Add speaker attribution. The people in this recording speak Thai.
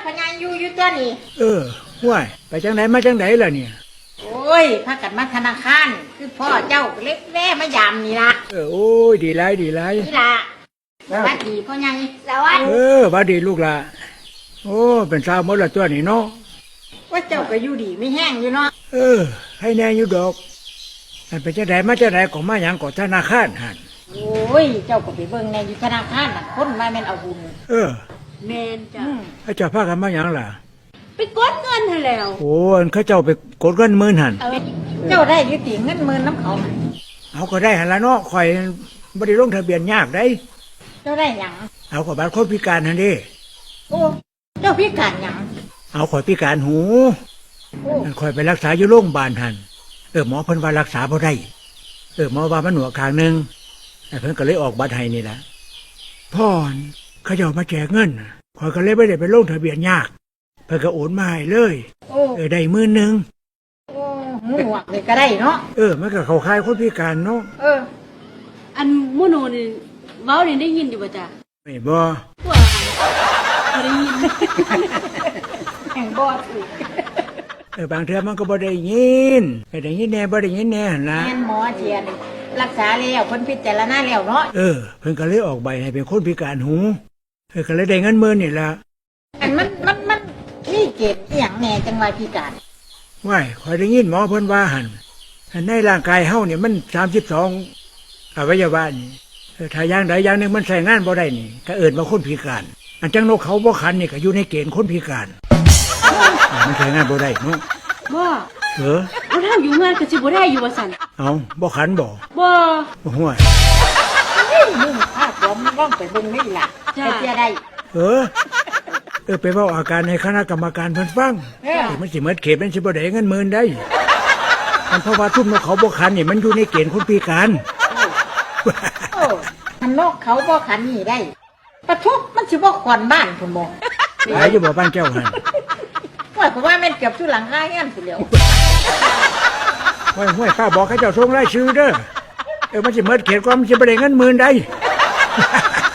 Speaker 1: พญาอยู่ตัวนี่
Speaker 2: ห้วยไปจังไหนมาจังไหนล่ะเนี่ย
Speaker 1: โอ้ยพากันมาธนาคารคือพ่อเจ้าเล็กแว่มายามนี่ละ
Speaker 2: โอ้ยดีไร
Speaker 1: นี่ละสวัสดีพ่อใหญ่สวัสดี
Speaker 2: วัดดีลูกละโอ้เป็นสาวหมดละตัวนี่เนาะ
Speaker 1: ว่าเจ้าก็อยู่ดีไม่แห้งอยู่เนาะ
Speaker 2: ให้แน่อยู่ดอกมันเป็นจังไหนมาจังไหนก็มาหยังก็ธนาคารหัน
Speaker 1: โอ้ยเจ้าก็ไปเบิ่งในอยู่ธนาคารน่ะคนมาแม่นเอาบุญ
Speaker 3: แม่นจ้ะ
Speaker 2: เขาเจ้าพากันมาหยังล่ะ
Speaker 3: ไปกดเงินให้แล้ว
Speaker 2: โอ้เขาเจ้าไปกดเงิน10,000หัน
Speaker 1: เจ้าได้ยุติเงิน10,000น้ำเขา
Speaker 2: เอาก็ได้หันละเนาะข่อยบ่ได้ลงทะเบียนยากได้
Speaker 1: เจ้าได้หยัง
Speaker 2: เอาก็บัตรคนพิการหั่นดิ
Speaker 1: โอ้เจ้าพิการหยัง
Speaker 2: เอาข่อยพิการหูข่อยไปรักษาอยู่โรงพยาบาลหั่นหมอเพิ่นว่ารักษาบ่ได้หมอว่ามันหนวกข้างนึงเพิ่นก็เลยออกบัตรให้นี่ล่ะพ่อเขาเจ้ามาแจกเงินข่อยก็เลยบ่ได้ไปลงทะเบียนยากเพิ่นก็โอนมาให้เลยได้10,000
Speaker 1: หนวกเลยก็ได้เนาะ
Speaker 2: มันก็เข้าข่ายคนพิการเนาะ
Speaker 3: อันโมโนนี่เว้านี่ได้ยินอยู่บ่จ้ะ
Speaker 2: ไม่บ่
Speaker 3: ว่าได้ยิน
Speaker 1: แห่งบ่
Speaker 2: บางเทื่อมันก็บ่ได้ยินได้ยินแน่บ่ได้ยินแน่หั่นล่ะ
Speaker 1: แม่นหมอเทียนรักษาแล้วเพิ่นพิจารณาแล้วเนาะ
Speaker 2: เพิ่นก็เลยออกใบให้เป็นคนพิการหูก็เลยได้เงิน10,000นี่ล่ะ
Speaker 1: อันมันมีเกณฑ์อีหยังแน่จังว่าพิการ
Speaker 2: ว้ายข่อยได้ยินหมอเพิ่นว่าหั่นในร่างกายเฮาเนี่ยมัน32อวัยวะนี่ถ้าอย่างใดอย่างหนึ่งมันใช้งานบ่ได้นี่ก็เอิ้นว่าคนพิการอันจังนกเขาบ่ขันนี่ก็อยู่ในเกณฑ์คนพิการมันใช้งานบ่ได้เนาะ
Speaker 3: บ่
Speaker 2: เอา
Speaker 3: เฮาอยู่งานก็สิบ่ได้อยู่ว่าซั่น
Speaker 2: เอาบ่ขันบ่
Speaker 3: ห้
Speaker 2: วย
Speaker 1: มึงพาผมร้องไปเบิ่งนี่ล่ะจะได้
Speaker 2: ไปเว้าอาการให้คณะกรรมการเพิ่นฟังมันสิหมดเขตมันสิบ่ได้เงิน10,000ได้มันเพราะว่าทุ่มนกเขาบ่ขันนี่มันอยู่ในเกณฑ์คนพิการ
Speaker 1: มันนกเขาบ่ขันนี่ได้ปะทุกมันสิบ่ขวัญบ้านพุ่นบ่
Speaker 2: หลายอยู่บ่บ้านแก้วหั่น
Speaker 1: ว่าผมว่าแม่นเกือบทุหลังคาเงี้ยพุ่นแล้ว
Speaker 2: ห้วยป้าบอกให้เจ้าส่งรายชื่อเด้อมันสิหมดเขตก่อนมันสิบ่ได้เงิน10,000ได้